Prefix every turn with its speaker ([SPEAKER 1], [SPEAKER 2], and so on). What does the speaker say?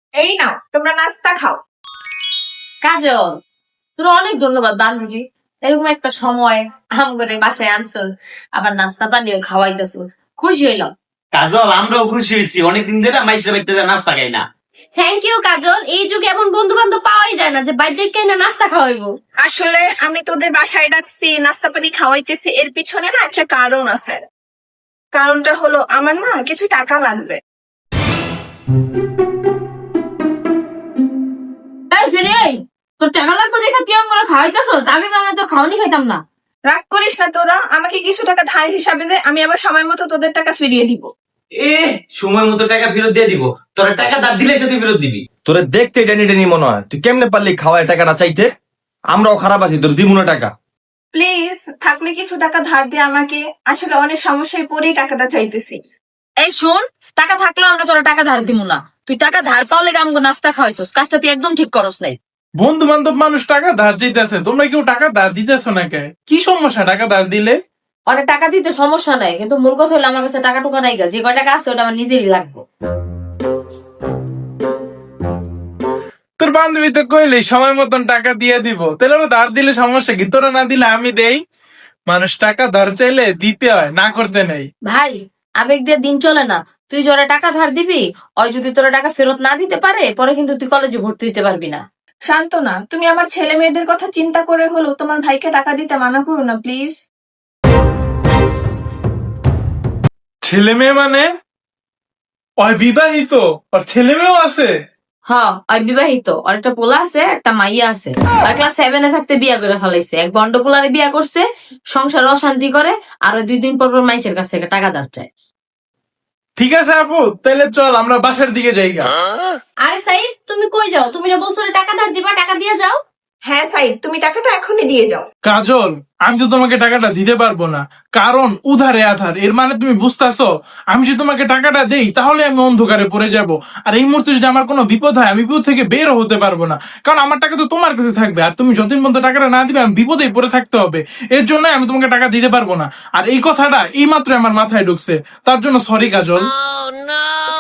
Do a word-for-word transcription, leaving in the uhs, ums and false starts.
[SPEAKER 1] এই নাও তোমরা নাস্তা খাও।
[SPEAKER 2] কাজল, তোর অনেক ধন্যবাদ বান্ধবী। এরকম একটা সময় আম করে বাসায় আনছো, আবার নাস্তা পানিও খাওয়াইতেছো, খুশি হইলাম।
[SPEAKER 3] কাজল, আমরাও খুশি হয়েছি, অনেকদিন ধরে মাইশের বাড়িতে নাস্তা খাই না।
[SPEAKER 4] থ্যাংক ইউ কাজল, এই যুগে এমন বন্ধু বান্ধব পাওয়াই যায় না যে বাইরে কেনা নাস্তা খাওয়াইবো।
[SPEAKER 1] আসলে আমি তোদের বাসায় ডাকছি, নাস্তা পানি খাওয়াইতেছি, এর পিছনে না একটা কারণ আছে। কারণটা হলো আমার না কিছু টাকা লাগবে।
[SPEAKER 2] তোর টাকা লাগবে দেখে তুই আমার খাওয়াইতেছো, আগে জানা তো খাওয়ানি খাইতাম না।
[SPEAKER 1] রাগ করিস না তোরা, আমাকে কিছু টাকা ধার হিসাবে দে, আমি আবার সময় মতো তোদের টাকা ফিরিয়ে দিব।
[SPEAKER 3] এ সময় মতো টাকা ফেরত দিয়ে দিব। তোরা টাকা দাঁড় দিলে সে তুই ফেরত দিবি।
[SPEAKER 5] তোরে দেখতে টেনি টেনি মনে হয়, তুই কেমনে পারলি খাওয়ায় টাকাটা চাইতে? আমরাও খারাপ আছি, তোর দিব না টাকা।
[SPEAKER 1] প্লিজ থাকলে কিছু টাকা ধার দে আমাকে, আসলে অনেক সমস্যায় পড়েই টাকাটা চাইতেছি।
[SPEAKER 2] এই শোন, টাকা থাকলে আমরা তোরা টাকা ধার দিব না। তুই টাকা ধার পাওলে আমগো নাস্তা খাওয়াইছস, কাজটা তুই একদম ঠিক করস নাই।
[SPEAKER 6] বন্ধু বান্ধব মানুষ টাকা ধার চাইতেছে, তোমরা কেউ টাকা ধার দিতেছো না কে? কি সমস্যা টাকা ধার দিলে?
[SPEAKER 2] অনেক টাকা দিতে সমস্যা নাই, কিন্তু মূল কথা হলো আমার কাছে টাকা টুকা নাই গা, যে কয় টাকা আছে ওটা আমার নিজেরই লাগবে।
[SPEAKER 6] তোর বান্ধবী তো কইলেই সময় মতন টাকা দিয়ে দিব, তাহলে ওরা ধার দিলে সমস্যা কি? তোরা না দিলে আমি দেই। মানুষ টাকা ধার চাইলে দিতে হয়, না করতে নেই।
[SPEAKER 2] ভাই, আবেগ দিয়ে দিন চলে না। তুই যারা টাকা ধার দিবি, ওই যদি তোরা টাকা ফেরত না দিতে পারে, পরে কিন্তু তুই কলেজে ভর্তি হতে পারবি না।
[SPEAKER 1] শান্ত না, তুমি আমার ছেলে মেয়েদের কথা চিন্তা করে হলো তোমার ভাইকে টাকা দিতে মানা করো না প্লিজ।
[SPEAKER 6] ছেলে মেয়ে মানে? ওই বিবাহিত, আর ছেলে মেয়েও আছে?
[SPEAKER 2] হ্যাঁ, ওই বিবাহিত, আর একটা পোলা আছে, একটা মাইয়া আছে। আর ক্লাস সেভেনে থাকতে বিয়া করে ফেলাইছে। এক বন্ড পোলারে বিয়া করছে, সংসার অশান্তি করে, আর ওই দুই দিন পর পর মাইসের কাছ থেকে টাকা ধার চায়।
[SPEAKER 6] ঠিক আছে আপু, তাহলে চল আমরা বাসার দিকে যাই গা।
[SPEAKER 4] আরে সাইদ, তুমি কই যাও? তুমি না বলছো না টাকা ধার দিবা, টাকা দিয়ে যাও।
[SPEAKER 1] হ্যাঁ সাইদ, তুমি টাকাটা এখনই দিয়ে যাও।
[SPEAKER 6] কাজল, আমি তো তোমাকে টাকাটা দিতে পারবো না, কারণ উধারে আধার। এর মানে তুমি বুঝতেছো? আমি যদি তোমাকে টাকাটা দেই তাহলে আমি অন্ধকারে পড়ে যাব, আর এই মুহূর্তে যদি আমার কোনো বিপদ হয় আমি বিপদ থেকে বেরও হতে পারবো না, কারণ আমার টাকা তো তোমার কাছে থাকবে, আর তুমি যতদিন পর্যন্ত টাকাটা না দিবে আমি বিপদেই পড়ে থাকতে হবে। এর জন্য আমি তোমাকে টাকা দিতে পারবো না, আর এই কথাটা এই মাত্র আমার মাথায় ঢুকছে, তার জন্য সরি কাজল।